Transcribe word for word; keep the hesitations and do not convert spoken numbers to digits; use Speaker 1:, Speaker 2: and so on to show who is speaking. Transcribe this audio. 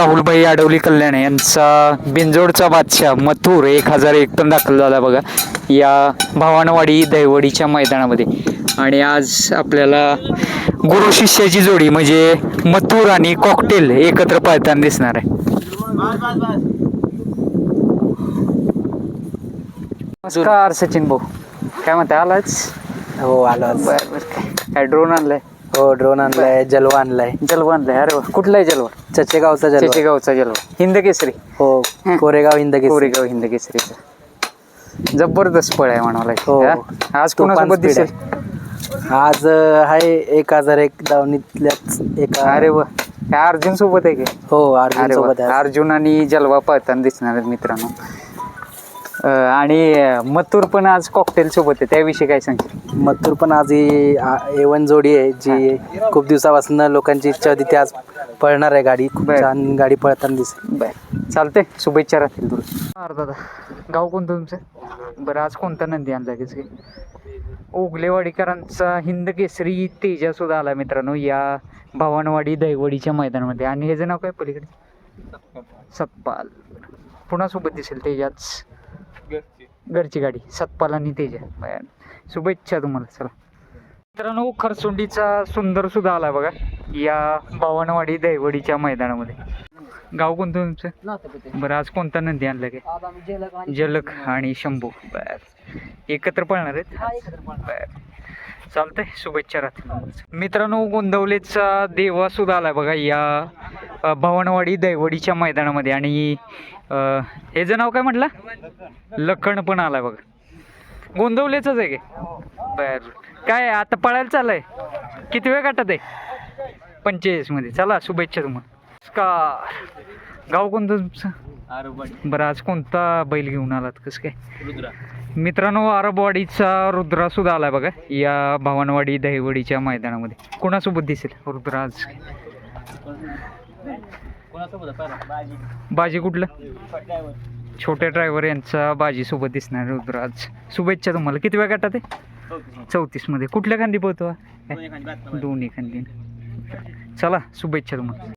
Speaker 1: राहुलभाई आडवली कल्याण यांचा बिंजोडचा बादशाह मथुर एक हजार एक पण दाखल झाला बघा या भावानवाडी दहिवडीच्या मैदानामध्ये. आणि आज आपल्याला गुरु शिष्याची जोडी म्हणजे मथुर आणि कॉकटेल एकत्र पळताना दिसणार आहे. नमस्कार सचिन भाऊ, काय म्हणता, आलाच?
Speaker 2: हो आलो.
Speaker 1: बर बर. काय ड्रोन आणलाय?
Speaker 2: हो ड्रोन आणलाय, जलवा आणलाय.
Speaker 1: जलवा आणलाय? अरे वा, कुठला आहे जलवा?
Speaker 2: चचेगावचा जलवा.
Speaker 1: चचेगावचा जलवा, हिंद केसरी.
Speaker 2: हो, कोरेगाव हिंद केसरी.
Speaker 1: कोरेगाव हिंद केसरीचा जबरदस्त पळ आहे म्हणाला.
Speaker 2: हो.
Speaker 1: आज कोणासोबत दिसेल?
Speaker 2: आज आहे एक हजार एक दावणीतल्याच एका.
Speaker 1: अरे वा, काय अर्जुन सोबत आहे की?
Speaker 2: हो अर्जुन
Speaker 1: अरे वा,
Speaker 2: सोबत आहे.
Speaker 1: अर्जुन आणि जलवा पळताना दिसणार आहेत मित्रांनो. अं, आणि मथुर पण आज कॉकटेल सोबत आहे, त्याविषयी काय सांगशील?
Speaker 2: मथुर पण आज ही एवन जोडी आहे जी खूप दिवसापासून लोकांची इच्छा होती, ती आज पळणार आहे गाडी. खूप
Speaker 1: बर.
Speaker 2: छान गाडी पळताना दिसेल.
Speaker 1: बर, चालतंय, शुभेच्छा राहतील तुला. अरे दादा, गाव कोणतं तुमचं? बरं, आज कोणता नंदी आणला की? ओगलेवाडीकरांचा हिंद केसरी तेजा सुद्धा आला मित्रांनो या भावानवाडी दहिवडीच्या मैदानामध्ये. आणि ह्याचं नाव काय पलीकडे? सतपाल. पुन्हा सोबत दिसेल तेजाच, घरची गाडी, सतपाल आणि तेजा. बरं, शुभेच्छा तुम्हाला. चला मित्रांनो, खरसुंडीचा सुंदर सुद्धा आला बघा या भावानवाडी दहिवडीच्या मैदानामध्ये. गाव कोणतं तुमचं? बरं, आज कोणता नंदी आणला काय? जलक आणि शंभू. बर, एकत्र पळणार आहेत? बर, चालतंय, शुभेच्छा राहतील मित्रांनो. गोंदवलेचा देवा सुद्धा आला बघा या भावनवाडी दहिवडीच्या मैदानामध्ये. आणि ह्याचं नाव काय म्हटलं? लखन पण आलाय बघा, गोंदवलेच आहे की? बर, काय आता पळायला चाललंय? किती वेळ गाठत आहे? पंचेचाळीस मध्ये. चला, शुभेच्छा तुम्हाला. नमस्कार, गाव कोणतं तुमचं? बरं, आज कोणता बैल घेऊन आलात? कसं काय? मित्रांनो, आरबवाडीचा रुद्रा सुद्धा आलाय बघा या भावनवाडी दहिवडीच्या मैदानामध्ये. कोणासोबत दिसेल रुद्रा आज? बाजी कुठलं? छोट्या ड्रायव्हर यांचा बाजी सोबत दिसणार रुद्रा आज. शुभेच्छा तुम्हाला. किती वेळ गाठत आहे? चौतीस मध्ये. कुठल्या खांदी पोहतो? दोन्ही खांदी. चला, शुभेच्छा तुम्हाला.